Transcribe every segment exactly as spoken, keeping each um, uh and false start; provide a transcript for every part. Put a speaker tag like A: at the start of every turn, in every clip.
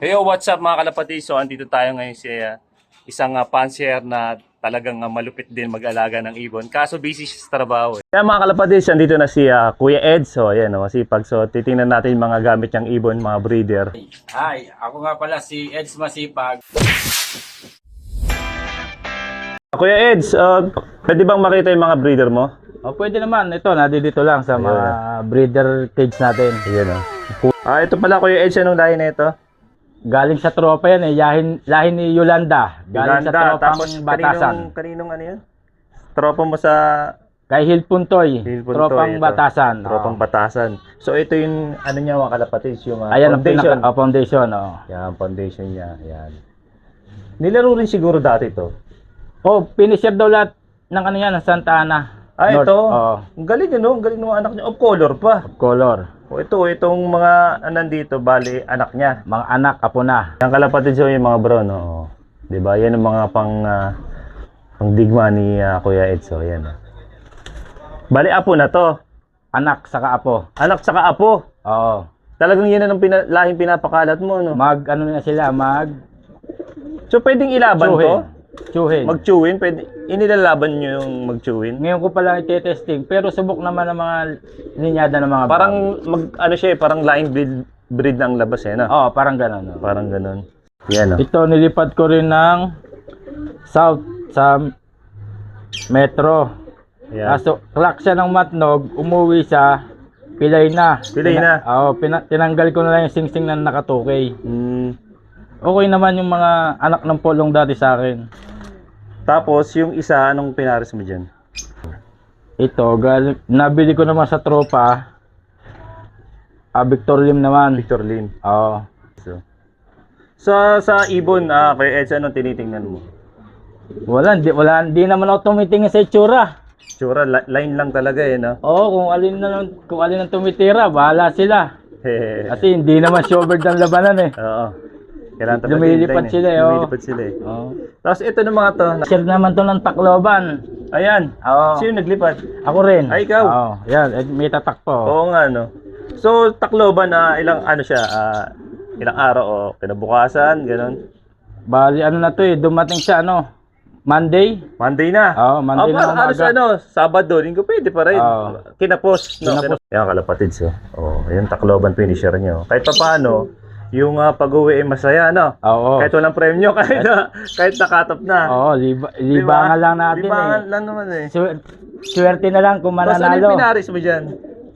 A: Hey, yo, what's up mga kalapati? So, andito tayo ngayon sa uh, isang uh, pansier na talagang uh, malupit din mag-alaga ng ibon. Kaso busy siya sa trabaho. Eh. Kaya mga kalapati, andito na si uh, Kuya Ed. So, ayan, oh, masipag. So, titingnan natin mga gamit niyang ibon, mga breeder.
B: Hi, ako nga pala si Eds Masipag.
A: Kuya Ed, uh, pwede bang makita yung mga breeder mo?
B: O pwede naman, ito, nandito lang sa mga breeder cage natin.
A: Ayan, oh. Ah, ito pala Kuya Ed, anong lahi na ito?
B: Galing sa tropa yan eh, lahin, lahin ni Yolanda. Galing
A: Yolanda,
B: sa tropang
A: tapos
B: Batasan.
A: Kaninong, kaninong ano yun? Tropa mo sa...
B: Kay Hilpuntoy,
A: Hilpuntoy,
B: tropang
A: ito.
B: Batasan.
A: Tropang
B: Oo.
A: Batasan. So ito yung ano niya mga kalapatids, yung uh,
B: Ayan ang
A: foundation.
B: pinaka oh, foundation. Oh.
A: Yan, foundation niya. Yan. Nilaro rin siguro dati to.
B: Oh, finisher daw lahat ng ano yan, ng Santa Ana.
A: Ah,
B: North.
A: ito.
B: Oo.
A: Ang galing ano, ang galing ng anak niya. Of color pa.
B: Color.
A: O ito, itong mga nandito, bali, anak niya.
B: Mga anak, apo na.
A: Yung kalapatids yung mga bro, no? Oh. Diba? Yan ang mga pang, uh, pang digma ni uh, Kuya Edso. Yan. Oh. Bali, apo na to.
B: Anak, saka apo.
A: Anak saka apo.
B: Oo.
A: Talagang yan ang pina, lahing pinapakalat mo, no?
B: Mag, ano na sila, mag...
A: So, pwedeng ilaban to?
B: Tsuhin.
A: Mag-chewin? Pwede, inilalaban nyo yung mag-chewin?
B: Ngayon ko pala ite-testing, pero subok naman ng mga linyada ng mga
A: Parang, mag, ano siya eh, parang line breed, breed ng labas eh, no?
B: Oo, oh, parang gano'n. Oh.
A: Parang ganun. Yan, no?
B: Ito, nilipat ko rin ng south sa metro.
A: Yan.
B: Kaso, clock siya ng Matnog, umuwi sa Pilay na.
A: Pilay na?
B: Oo, pina, tinanggal ko na lang yung singsing na nakatukay.
A: Mm.
B: Okay naman yung mga anak ng polong dati sa akin.
A: Tapos, yung isa, anong pinaris mo dyan?
B: Ito, galing, nabili ko naman sa tropa. Ah, Victor Lim naman.
A: Victor Lim.
B: Oo.
A: So, sa, sa ibon, ah, kay Edsa, anong tinitingnan mo?
B: Wala, hindi, wala, hindi naman ako tumitingin sa itsura.
A: Tsura, li- line lang talaga eh, no?
B: Oo, kung alin na lang, kung alin ang tumitira, bahala sila. Kasi hindi naman showered ang labanan eh.
A: Oo. Kailangan talaga
B: Lumilipad
A: hintayin
B: sila eh,
A: eh.
B: oh.
A: Lumilipad sila eh.
B: Oo.
A: Tapos ito ng mga to.
B: Share naman to ng Tacloban.
A: Ayan.
B: Oo.
A: Sino naglipat?
B: Ako rin.
A: Ay, ikaw?
B: Oo. Yan, eh, may tatak po.
A: Oo nga, no? So, Tacloban na ilang ano siya, ah, ilang araw o kinabukasan, ganun.
B: Bali, ano na to eh, dumating siya ano, Monday.
A: Monday na.
B: Oo, Monday
A: Aba,
B: na umaga.
A: halos ano, Sabado, Linggo, pwede pa rin.
B: Oo.
A: Kinapos, no?
B: Kinapos.
A: Kinapos. Yan, kalapatids, oh. Oh, yung Tacloban finisher nyo. Kahit pa paano, yung uh, pag-uwi ay masaya, no?
B: Oo.
A: Kahit walang premyo, kahit, na, kahit nakatop na.
B: Oo, liba, libangan lang natin
A: Libangan
B: eh.
A: lang naman eh.
B: Swer- swerte na lang kung
A: Tapos ano
B: mananalo.
A: yung pinaris mo dyan?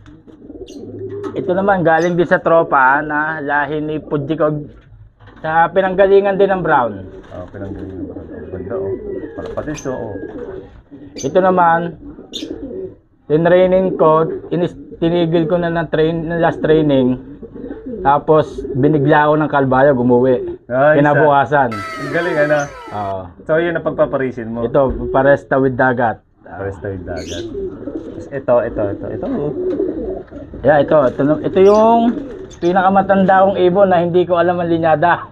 B: Ito naman, galing din sa tropa na lahi ni Pudjikog sa pinanggalingan din ng Brown.
A: Oh, pinanggaling mo. Ganda, oh. Kalapatids, oh.
B: Ito naman, tinraining ko, inis, tinigil ko na ng, train, ng last training. Tapos, binigla ako ng Kalbayo, gumuwi.
A: Ay,
B: Kinabukasan.
A: Ang galing, ano?
B: Oo.
A: So, yun ang pagpaparisin mo.
B: Ito, paresta with dagat.
A: Pares tayo dagat. Tapos ito, ito, ito, ito. Oh.
B: Yeah, ito, ito, ito yung pinakamatanda kong ibon na hindi ko alam ang linyada.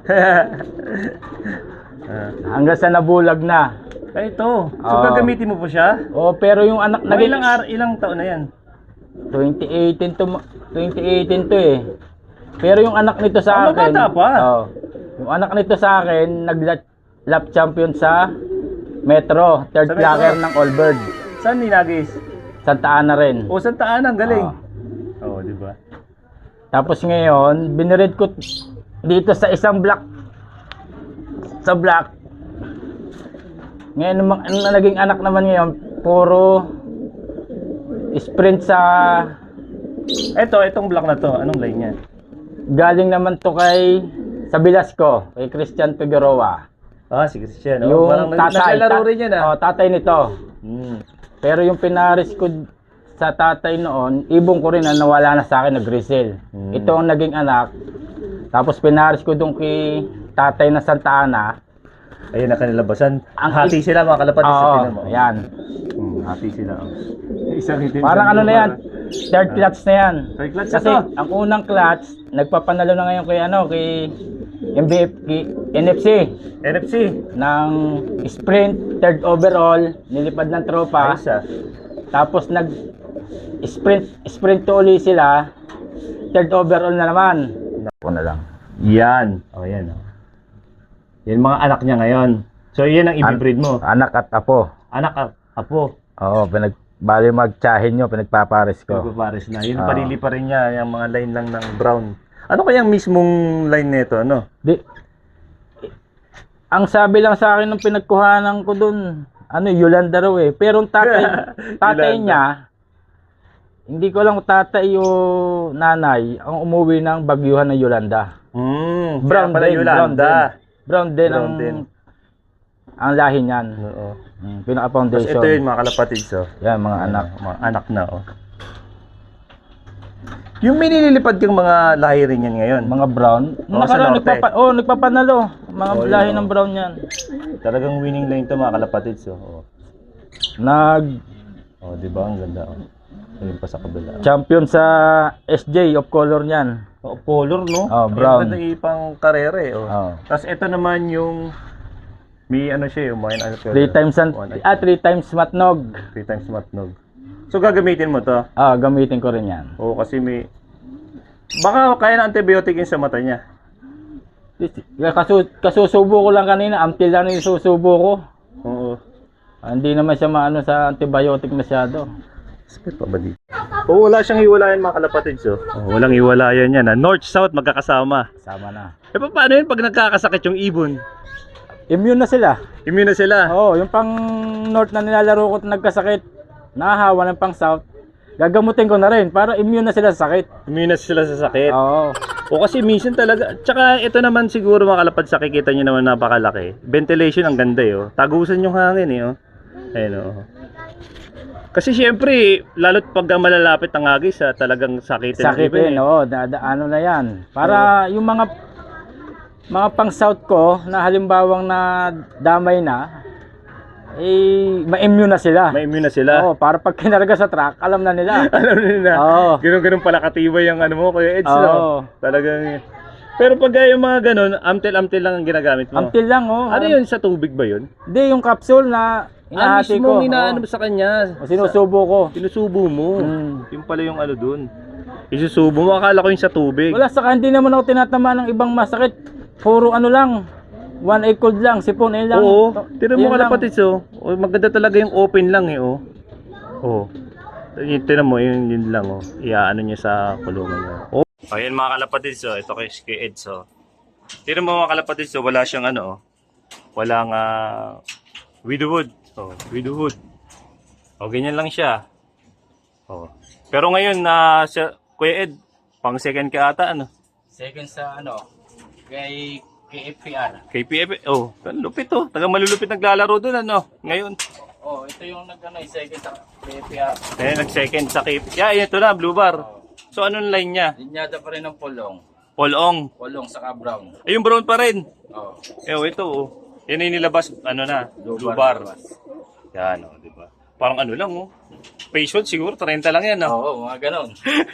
A: Ah.
B: Hanggang sa nabulag na.
A: Ay, ito. So,
B: Oo.
A: gagamitin mo po siya?
B: Oh, pero yung anak
A: Mga
B: naging
A: ilang, ar- ilang taon na yan?
B: twenty eighteen to twenty eighteen to eh. Pero yung anak nito sa
A: Ah,
B: akin,
A: mabata pa.
B: oh, yung anak nito sa akin nag lap champion sa Metro, third
A: Sa Metro?
B: player ng Allbird.
A: Saan ninagis?
B: Santa Ana rin.
A: O, Santa Ana, ang galing.
B: Oo.
A: Oo, oh, di ba?
B: Tapos ngayon, binirid ko dito sa isang block. Sa block. Ngayon, ang ang naging anak naman ngayon, puro sprint sa...
A: Ito, itong block na to. Anong line niya?
B: Galing naman to kay... Sa Velasco, kay Christian Figueroa.
A: Ah, sige siya. No?
B: Yung
A: Parang
B: tatay.
A: naglalaro
B: ta-
A: rin yan, ah.
B: Oh, tatay nito.
A: Hmm.
B: Pero yung pinaris ko sa tatay noon, ibong ko rin na nawala na sa akin, nag-resell.
A: Hmm.
B: Ito ang naging anak. Tapos pinaris ko doon kay tatay na Santa Ana.
A: Ayun na kanilabasan.
B: Ang
A: hati sila, mga kalapatids. sa
B: Oo,
A: tinan mo.
B: yan.
A: Hmm, hati sila. oh. Isang itim.
B: Parang ano na yan, third clutch na yan.
A: Third clutch na
B: Kasi
A: to.
B: ang unang clutch, nagpapanalo na ngayon kay ano, kay M B F, kay N F C.
A: N F C.
B: Ng sprint, third overall, nilipad ng tropa.
A: Ayos, ah.
B: Tapos nag sprint sprint to uli sila, third overall na naman. Ako na lang.
A: Yan. O, yan. Oh. Yan mga anak niya ngayon. So, yan ang ibibreed mo.
B: Anak at apo.
A: Anak at apo.
B: Oo, pinag bali magtsahin nyo, pinagpapares ko.
A: Pagpapares na. Yun,
B: Oo.
A: parili pa rin niya. Yung mga line lang ng brown. Ano kayang mismong line nito? Ano?
B: Di, ang sabi lang sa akin ng pinagkuhanan ko dun, ano, Yolanda raw eh. Pero ang tatay, tatay
A: Yolanda.
B: niya, hindi ko lang kung tatay o nanay ang umuwi ng bagyuhan ng Yolanda.
A: Hmm.
B: Brown
A: Brown pala
B: din,
A: Yolanda.
B: Brown din
A: Brown
B: ang,
A: din.
B: ang lahi niyan.
A: Oo.
B: Hmm,
A: Tapos
B: pinaka-foundation.
A: ito yun mga kalapatid. So.
B: Yan, mga anak.
A: Mga anak na, oh. Yung may nililipad yung mga lahi rin yan ngayon.
B: Mga brown.
A: Oo, sa
B: Nakaraan,
A: norte.
B: nagpapa oh, nagpapanalo. Mga
A: Oo,
B: lahi
A: yun,
B: ng
A: oh.
B: brown yan.
A: Talagang winning line to mga kalapatid. So, oh.
B: Nag
A: Oh, di ba? Ang ganda, oh. Ayun pa sa kabila.
B: champion sa S J of color niyan.
A: Oh, color, no?
B: Oh, brown.
A: Ang ganda ipang karere, eh, oh.
B: Oh.
A: Tapos ito naman yung may ano siya, yung mga ano
B: Three times an,
A: One,
B: ah, three times matnog.
A: three times matnog. So gagamitin mo to.
B: Ah, gamitin ko rin yan.
A: Oo, kasi may baka kaya na antibiotic yun sa mata niya.
B: Kasu, kasusubo ko lang kanina, amtil lang yung susubo ko.
A: Oo.
B: Ah, hindi naman siya maano sa antibiotic masyado.
A: Spit pa ba dito? Oo, wala siyang iwalayan mga kalapatid. So. Oh, walang iwalayan yan. Ah. North-South magkakasama.
B: Sama na.
A: E pa, paano yun pag nagkakasakit yung ibon?
B: Immune na sila.
A: Immune na sila.
B: Oo, yung pang north na nilalaro ko at nagkasakit, nahahawa ng pang south, gagamutin ko na rin para immune na sila sa sakit.
A: Immune na sila sa sakit.
B: Oo.
A: O kasi minsan talaga, tsaka ito naman siguro mga kalapad sa kikita nyo naman napakalaki. Ventilation ang ganda eh. Oh. Tagusan yung hangin eh. Oh. Ayun oh. Kasi syempre, lalo't pag malalapit ang agis, ah, talagang sakitin. ng ibon,
B: Sakitin,
A: eh.
B: oo, da, da- ano na yan. Para yung mga mga pang south ko na halimbawang na damay na, eh, ma-immune na sila.
A: May immune na sila.
B: Oo, para pag kinarga sa truck, alam na nila.
A: Alam nila.
B: Oo.
A: Ganun-ganun pala katibay yung ano mo, Kuya Eds,
B: Oo.
A: no? Talagang... Pero pag yung mga ganun, amtel-amtel lang ang ginagamit mo.
B: Until lang, oh.
A: Ano yun, sa tubig ba yun?
B: Hindi, yung capsule na
A: Ah,
B: inahati
A: mismo
B: ko.
A: inaano
B: oo.
A: mo sa kanya.
B: O, sinusubo ko.
A: Sinusubo mo.
B: Hmm.
A: Yung pala yung ano dun. Isusubo mo, akala ko yung sa tubig.
B: Wala, saka hindi naman ako tinatama ng ibang masakit. Puro ano lang, one egg cold lang, sipon, eh lang.
A: Oo.
B: To-
A: Tinan mo
B: yun lang.
A: kalapatid, so. Oh, maganda talaga yung open lang eh, oh. Oh. Yun, tinan mo, yun, yun lang, oh. Iaano niya sa kulungan niya. Oh. Ayan mga kalapatid, so. Ito kay kay Ed, so. Tinan mo mga kalapatid, so. Wala siyang ano, oh. Walang uh, widowwood. Oh, widowwood. Oh, ganyan lang siya. Oh. Pero ngayon na uh, Kuya Ed, pang second ka ata ano?
B: Second sa ano, kay K F P R.
A: K P F. Oh, lupit oh. Taga malulupit naglalaro doon ano. Ngayon.
B: Oh, ito yung nag ano, second sa K F P R.
A: Eh nag-second sa K P F. Yeah, ito na blue bar.
B: Oh.
A: So anong line niya?
B: Linyada pa rin ng polong.
A: Polong.
B: Polong saka brown.
A: Ay, yung brown pa rin.
B: Oh.
A: Eh, oh, ito oh. Yan yung nilabas ano na, blue,
B: Blue
A: bar.
B: bar.
A: Yan oh, di ba? Parang ano lang oh. Patient siguro thirty lang yan oh.
B: Oo, mga ganon.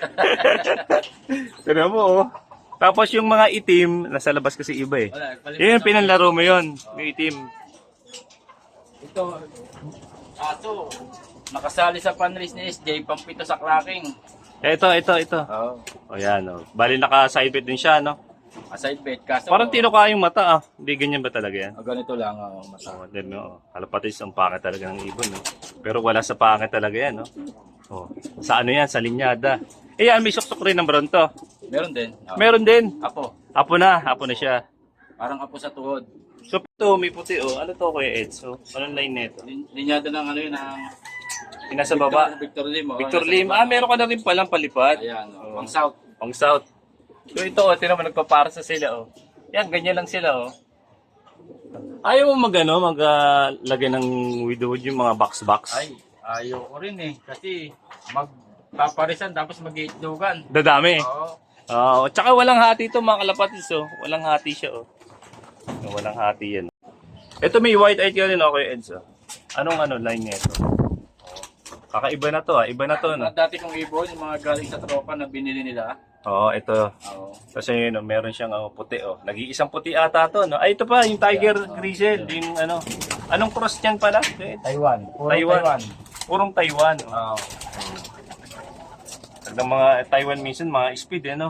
A: Tignan mo oh. Tapos yung mga itim, nasa labas kasi iba eh.
B: Wala, palimit
A: Yan,
B: na-
A: pinanlaro mo yun. Yung itim.
B: Ito, aso, nakasali sa panrace ni S J, pampito sa clacking.
A: Eh, ito, ito, ito.
B: Oo.
A: O yan oh. Bali naka-side bet din siya no.
B: Aside bet, kaso...
A: Parang tinuka yung mata ah. Hindi ganyan ba talaga yan?
B: Ah, ganito lang, oh, masa.
A: Oh, then, no. Kalapatis ang pangit talaga ng ibon, no? Pero wala sa pangit talaga yan, no? Oh. Sa ano yan? Sa linyada. Eh, yan, may suksok rin ng brown to.
B: Meron din. Oh.
A: Meron din.
B: Apo,
A: Apo na. Apo na siya.
B: parang apo sa tuhod.
A: So, ito, may puti, oh. Ano to, Kuya Ed? So, anong line nito?
B: Lin- Linyada ng ano yun, ng...
A: Yung nasa baba.
B: Victor Lim. oh,
A: Victor
B: nasa
A: Lim.
B: baba.
A: Ah, meron ka na rin palang palipad.
B: Ayan, oh,
A: Oh.
B: pang south.
A: Pang south. So, ito, oh. Tinan mo, nagpapara sa sila, oh. Yan, ganyan lang sila, oh. Ayaw mo mag, ano, mag, uh, lagay ng widowwood yung mga box-box?
B: Ay, ayaw ko rin eh. Kasi magpaparisan tapos mag-iitlogan.
A: Dadami.
B: Oo.
A: Oo, tsaka walang hati ito mga kalapatis, oh. Walang hati siya, oh. Walang hati yan. Ito may white eye ka rin, okay, Eds, oh. Anong ano line nito? Oh. Kakaiba na to, ah. Iba na to, no?
B: Mga dati kong ibon, yung mga galing sa tropa na binili nila.
A: Oo, ito.
B: Oo.
A: Kasi yun, oh, meron siyang oh, puti, oh. Nag-iisang puti ata to, no? Ay, ito pa, yung Tiger Grizzle, yung ano. Anong cross niyan pala? Eds?
B: Taiwan. Puro
A: Taiwan.
B: Taiwan.
A: Purong Taiwan, oh.
B: Oo.
A: Ng mga Taiwan minsan, mga speed, eh, no?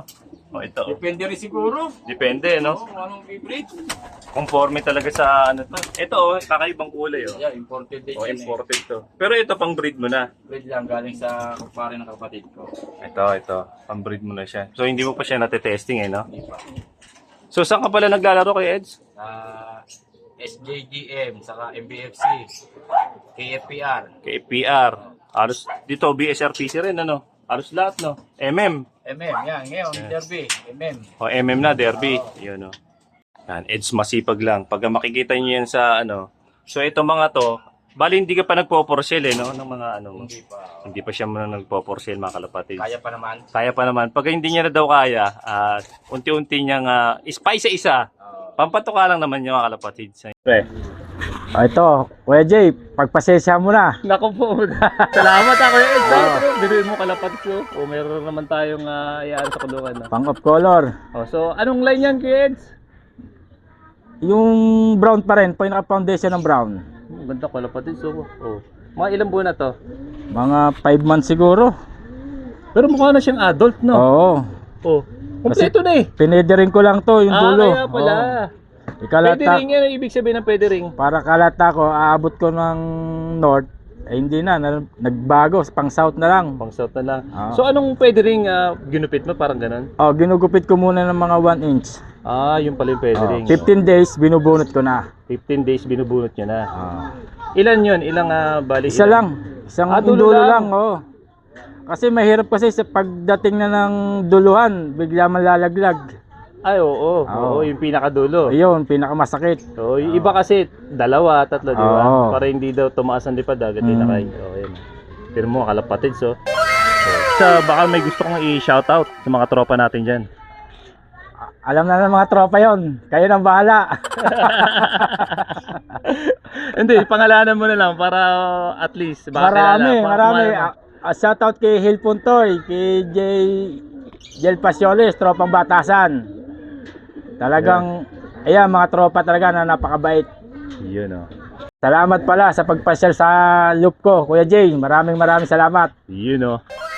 A: O ito.
B: Depende rin siguro.
A: Depende, no?
B: Kung anong i-breed.
A: Conforme talaga sa ano to. Ito, oh, kakaibang kulay, oh.
B: Yeah, imported din
A: O,
B: yan
A: imported to. Pero ito, pang breed mo na.
B: eh. Breed lang galing sa kumpare ng kapatid ko.
A: Ito, ito. Pang breed mo na siya. So, hindi mo pa siya natetesting, eh, no?
B: Hindi pa.
A: So, saan ka pala naglalaro kay Eds?
B: Sa S J D M, saka M B F C, K F P R.
A: Kay P R. Halos, dito, B S R P C rin, ano? Halos lahat, no? M M.
B: M M, yan. Ngayon, Derby, M M.
A: O, M M na, Derby. Yun, no? Yan, Eds masipag lang. Pag makikita nyo yan sa, ano, so, ito mga to, bali hindi ka pa nagpo-porcel, eh, no? Ng mga, ano,
B: Hindi pa.
A: hindi pa siya muna nagpo-porcel, mga kalapatid.
B: Kaya pa naman.
A: Kaya pa naman. Pag hindi niya na daw kaya, at unti-unti niyang uh, ispa isa-isa,
B: Uh,
A: pampatuka lang naman yung mga kalapatid. Pre.
B: oh, ito, Kuya Jay, pagpasensya mo na.
A: Naku po. Salamat ako. Eh, biruin mo kalapat ko. O meron naman tayong uh, iyaan sa kulungan. No?
B: Pang of color.
A: O, so, anong line yan, kids?
B: Yung brown pa rin, pinaka-foundation ng brown.
A: Ang ganda kalapatid. So, oh. Mga ilang buwan na to?
B: Mga five months siguro.
A: Pero mukha na siyang adult, no?
B: Oo.
A: Oh. Kompleto na eh.
B: Pinedering ko lang to, yung
A: Ah,
B: dulo.
A: kaya pala.
B: Oo. Ikalata,
A: Pwede ring yan. Ang ibig sabihin ng pwede ring.
B: para kalata ko, aabot ko ng north, eh hindi na, na nagbago, pang south na lang.
A: Pang south na lang.
B: Ah.
A: So, anong pwede ring uh, ginupit mo? Parang ganun?
B: Oh, ginugupit ko muna ng mga one inch.
A: Ah, yung pala yung pwede
B: Oh,
A: ring.
B: fifteen days, binubunot ko na.
A: fifteen days binubunot niya na.
B: Ah.
A: Ilan yun? Ilang uh, bali?
B: Isa
A: ilan?
B: lang. Isang
A: Ah, dulo
B: dulo,
A: lang.
B: lang, oh. Kasi mahirap kasi sa pagdating na ng duluhan, bigla malalaglag.
A: Ay, oo. Oo,
B: Oo.
A: yung pinakadulo.
B: Ayun, pinakamasakit.
A: So, yung iba kasi, dalawa, tatlo, di ba?
B: Oo.
A: Para hindi daw tumaas ang lipad, agad din
B: Mm.
A: nakain. Oo, yan. Pero mo, kalapatid, so. so. Sa, baka may gusto kong i-shoutout sa mga tropa natin dyan.
B: Alam na ng mga tropa yon. Kayo nang bahala.
A: Hindi, pangalanan mo na lang para at least. Baka
B: Marami,
A: kilala. Pa-
B: marami.
A: kumala-
B: Ah, ah, shoutout kay Hil Puntoy, kay Jay Jel Pasioles, tropang batasan. Talagang, ayan, mga tropa talaga na napakabait.
A: Yun, oh.
B: Salamat pala sa pagpasyal sa loop ko, Kuya Jay. Maraming maraming salamat.
A: Yun, oh.